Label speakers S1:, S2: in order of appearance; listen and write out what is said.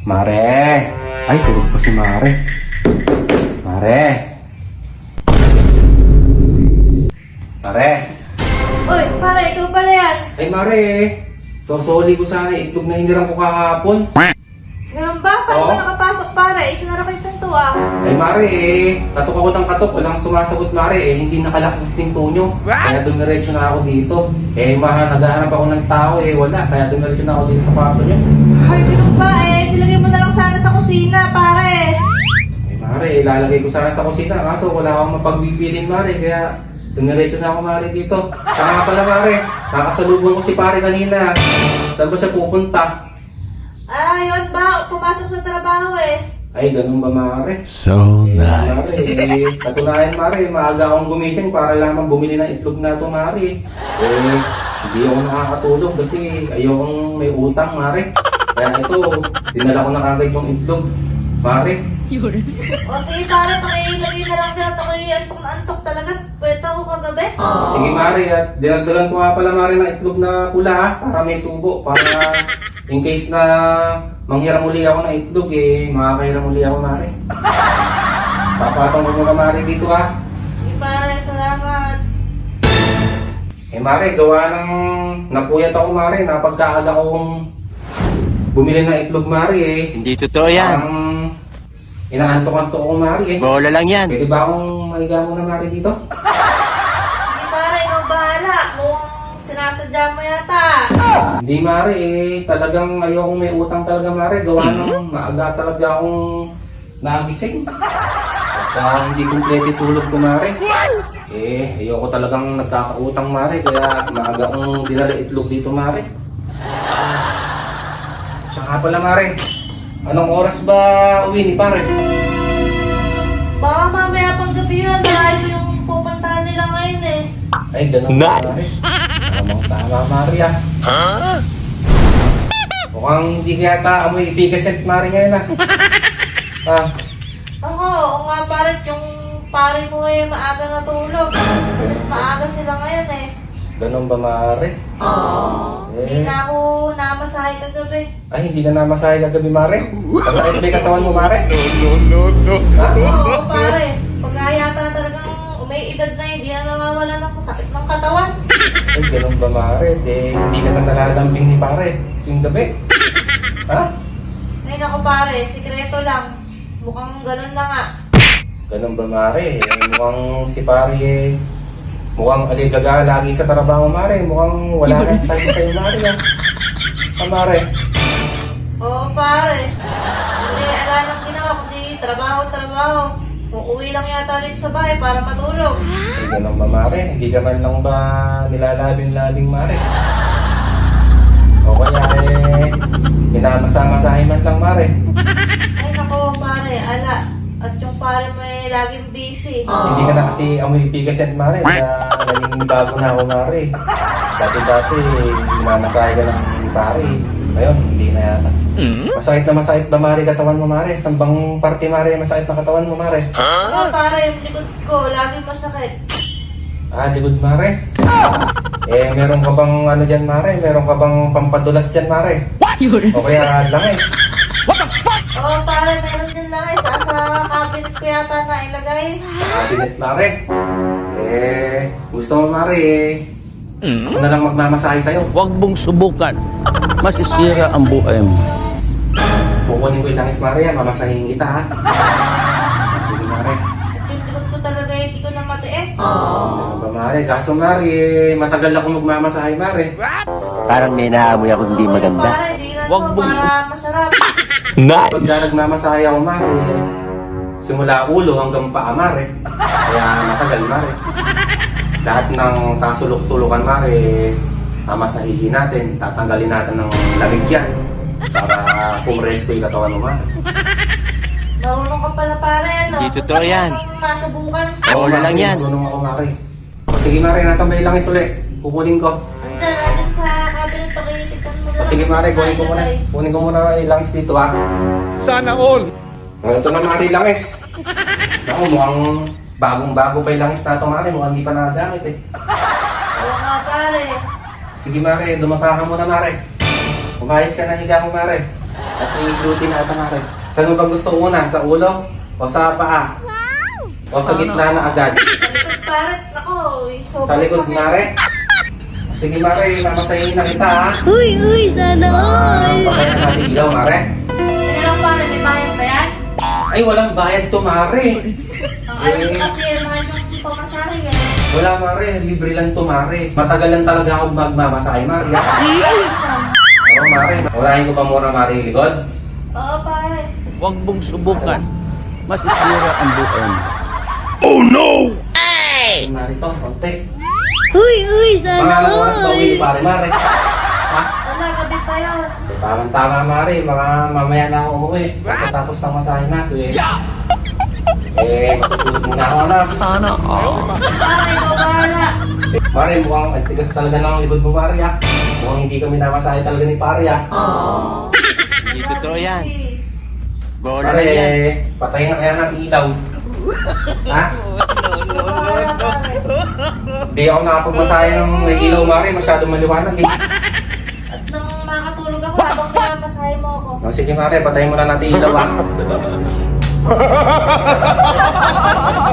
S1: Mare! Ay, tulog pa si Mare. Mare! Mare!
S2: Uy, pare, ikaw pala yan.
S1: Ay, Mare! Sosoli ko sana itlog na hinirang ko kahapon.
S2: Ganun ba? Paano
S1: Oo.
S2: ka nakapasok, pare? Isinara ko yung pinto ah.
S1: Ay, Mare katok ako ng katok. Walang sumasagot, Mare hindi nakalak yung pinto nyo. Kaya dumiretso na ako dito. Naghahanap ako ng tao wala. Kaya dumiretso na ako dito sa kwarto nyo.
S2: Ay, ganun ba nilagay mo na lang sana sa kusina, pare.
S1: Ay, Mare ilalagay ko sana sa kusina. Kaso wala akong mapagbibilin, Mare. Kaya dumiretso na ako, Mare, dito. Saka nga pala, Mare, nakasalubong ko si pare kanina. Saan ba siya pupunta?
S2: Yun ba? Pumasok sa trabaho
S1: Ay, ganun ba, Mare?
S3: So
S1: Mare,
S3: nice.
S1: katunayan, Mare, maaga akong gumising para lamang bumili ng itlog na ito, Mare. Hindi ako nakakatulog kasi ayokong may utang, Mare. Kaya ito, dinala ko na kagad yung itlog, Mare.
S2: O sige, pare, pakilagay na lang dyan. Ako'y antok na antok talaga. Pwede ako kagabi.
S1: Sige, Mare, at dinagdagan ko nga pala, Mare, ng itlog na pula, para may tubo, para in case na manghiram uli ako ng itlog, makakahiram uli ako, Mare. Papatong ko muna, Mare, dito,
S2: Sige, pare, salamat.
S1: Mare, gawa ng napuyat ako, Mare, napagkaaga kong bumili ng itlog, Mare,
S4: Hindi totoo yan.
S1: Parang inaantok-antok ako, Mare,
S4: Bola lang yan.
S1: Pwede ba akong mahiga muna, Mare, dito?
S2: Sige, pare, ikaw bahala. Mukhang sinasadya mo yata.
S1: Hindi, Mare, talagang ayokong may utang talaga, Mare. Gawa ng maaga talaga akong nagising. At hindi kumpleto tulog ko, Mare. Ayoko talagang nagkakautang, Mare. Kaya maaga akong dinala itlog dito, Mare. Siya nga pala, Mare. Anong oras ba uwi ni pare?
S2: Baka mamaya pang gabi yun. Malayo yung pupuntahan nila ngayon
S1: Ay, ganun
S3: Nice.
S1: Tama, Mare, Mukhang hindi kaya amoy pigaset, Mare, ngayon,
S2: Ako, oo nga pare, yung pare mo maaga natulog. Kasi maaga sila ngayon
S1: Ganun ba, Mare?
S2: Hindi na ako namasahe kagabi.
S1: Ay, hindi na namasahe kagabi, Mare? Masakit ba yung katawan mo, Mare? Ha?
S2: Oo pare, pag yata talagang may edad na hindi na nawawala ng sakit ng katawan.
S1: Ay, ganun ba, Mare? Hindi ka na nalalambing ni pare yung gabi. Ha?
S2: Ay naku pare, sikreto lang. Mukhang ganun na nga.
S1: Ganun ba, Mare? Mukhang si pare mukhang aligaga lagi sa trabaho, Mare. Mukhang wala na time sa'yo, Mare, Mare?
S2: Oo pare, hindi ala nang ginawa kundi trabaho. Uuwi lang yata dito sa bahay para matulog.
S1: Ay, ganun ba, Mare? Hindi ka man lang ba nilalabing-labing, Mare? O kaya minamasa-masahin man lang, Mare.
S2: Ay naku pare, ala. At yung pare mo laging busy.
S1: Hindi ka na kasi amoy pigaset, Mare. Kaya naging bago na ako, Mare. Dati, minamasahe ka lang ni pare. Ngayon, hindi na yata. Masakit ba, Mare, katawan mo, Mare? Saan bang parte, Mare, masakit na katawan mo, Mare?
S2: Oo pare, yung likod ko laging masakit.
S1: Likod, Mare. Meron ka bang ano dyan, Mare? Meron ka bang pampadulas dyan, Mare? O kaya langis?
S2: Oo pare, meron din lang sa cabinet ko yata na ilagay.
S1: Sa cabinet, Mare. Gusto mo, Mare, ako na lang magmamasahe sa'yo.
S3: Huwag mong subukan. Masisira ang buhay mo.
S1: Kukunin ko yung langis, Mare, mamasahin kita, ha? Sige, Mare.
S2: At yung likod ko talaga hindi ko na matiis.
S1: Ano ba, Mare? Kaso, Mare, matagal ako magmamasahe, Mare.
S4: Parang may naamoy ako hindi
S2: Oo
S4: maganda.
S2: pare, di na
S3: Wag
S2: to
S3: mong
S2: para masarap.
S1: Pagka nagmamasahe ako, Mare, simula ulo hanggang paa, Mare. Kaya matagal, Mare. Lahat ng kasulok-sulukan, Mare, mamasahihin natin, tatanggalin natin ng lamig yan para pumresto yung katawan mo, Mare.
S2: Marunong ka pala pare, ano?
S4: Hindi totoo
S2: Gusto mo
S4: yan.
S2: bang masubukan?
S4: Bola lang yan.
S1: Tulong ako, Mare. Sige, Mare, nasa may langis ulit. Kukunin ko.
S2: Andiyan sa cabinet, pakitikan mo lang.
S1: Sige, Mare, kunin ko muna. Kunin ko muna yung langis dito, ha.
S3: Sana all.
S1: Ito na, Mare, yung langis. Naku, mukhang bagong-bago pa yung langis na ito, Mare. Mukhang hindi pa nagagamit,
S2: Oo nga pare.
S1: Sige, Mare, dumapa ka muna, Mare. Umayos ka na higa mo, Mare. At i-gluten na ito natin. Saan mo ba gusto una? Sa ulo? O sa paa? O sa gitna na agad?
S2: Sa likod, pare. Nako, yung sobrang
S1: Sa likod,
S2: sakit.
S1: Mare? Sige, Mare. Mamasahin na kita, ha?
S5: Uy, sana all!
S1: Pakayan natin ilaw, Mare.
S2: Sige lang, pare. May bayad ba yan?
S1: Ay, walang bayad to, Mare.
S2: Ang alam ko kasi, mahal yung pamasahe yan.
S1: Wala, Mare. Libre lang to, Mare. Matagal lang talaga ako magmamasahe, Mare. Ha? Oo, Mare. Urahin ko pa muna, Mare, yung likod.
S2: Oo, pare.
S3: Huwag mong subukan. Masisira ang buhay mo.
S1: Mare to, konti.
S5: Uy, sana
S1: Mga oras pa uwi,
S5: all!
S1: pare, Mare. Ha?
S2: Wala, gabi pa yun.
S1: Tama, Mare. Mga mamaya na ako umuwi. Pagkatapos ng masahe natin, eh. Matutulog muna ako, anak.
S3: Sana all.
S2: Pare, ikaw bahala.
S1: Mare, mukhang ang tigas talaga ng likod mo, Mare, ha? Mukhang hindi kami namasahe talaga ni pare, ha?
S4: Hindi totoo yan.
S2: Kasi,
S4: Bola
S1: Pare,
S4: lang yan.
S1: patayin na kaya ng ilaw. Ha?
S2: bahala, pare.
S1: Hindi ako nakapagmasahe ng may ilaw, Mare. Masyadong maliwanag, eh.
S2: At nang makatulog ako, habang pinapamasahe mo ako.
S1: O, sige, Mare, patayin mo na natin ilaw, ha?